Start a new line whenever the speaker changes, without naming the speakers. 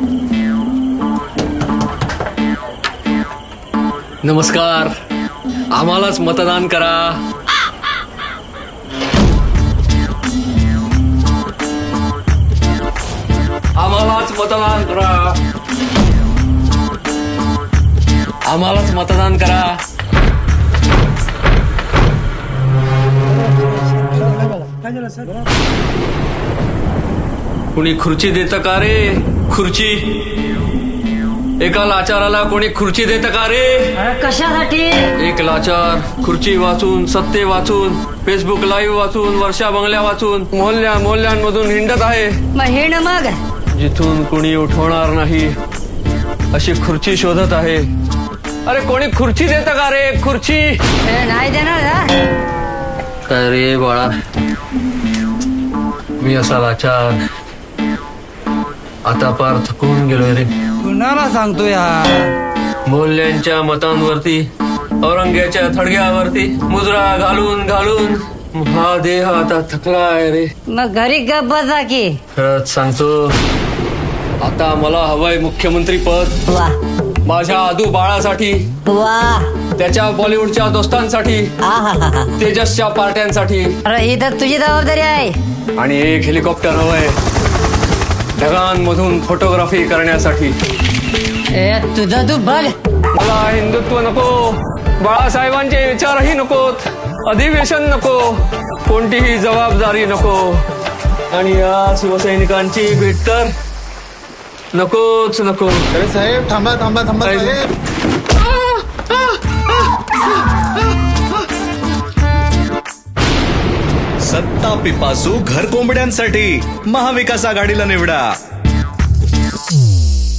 नमस्कार, आम्हालाच मतदान करा. आम्हालाच मतदान करा. आम्हालाच मतदान करा. कुणी खुर्ची देतं का रे? खुर्ची एका लाचाराला कोणी खुर्ची देतं का रे?
कशासाठी?
एक लाचार खुर्ची वाचून, सत्ते वाचून, फेसबुक लाईव्ह वाचून, वर्षा बंगल्या वाचून, मोहल्ल्यांमधून हिंडत आहे.
मग हिंड मग.
जिथून कोणी उठवणार नाही अशी खुर्ची शोधत आहे. अरे कोणी खुर्ची देतं का रे? खुर्ची
नाही देणार ना.
काय रे बाळा, मी असा लाचार आता पार थकून गेलोय रे.
कुणाला सांगतो यार?
मोल्यांच्या मतांवरती, औरंग्याच्या थडग्यावरती मुजरा घालून घालून हा देह आता थकलाय रे.
मग घरी गप बसा की.
खरंच सांगतो, आता मला हवंय मुख्यमंत्री पद.
वा
माझ्या आदू बाळासाठी,
वा.
त्याच्या बॉलिवूडच्या दोस्तांसाठी,
आहाहाहा.
तेजसच्या पार्ट्यांसाठी,
अरे ही तर तुझी जबाबदारी आहे.
आणि एक हेलिकॉप्टर हवंय ढगांमधून फोटोग्राफी करण्यासाठी.
ए तुझं तू बघ.
मला हिंदुत्व नको, बाळासाहेबांचे विचारही नकोत, अधिवेशन नको, कोणतीही जबाबदारी नको, आणि या शिवसैनिकांची भेट तर नकोच नको.
अरे साहेब थांबा थांबा थांबा साहेब.
सत्ता पिपासू घर कोंबड्यांसाठी महाविकास आघाडीला निवडा.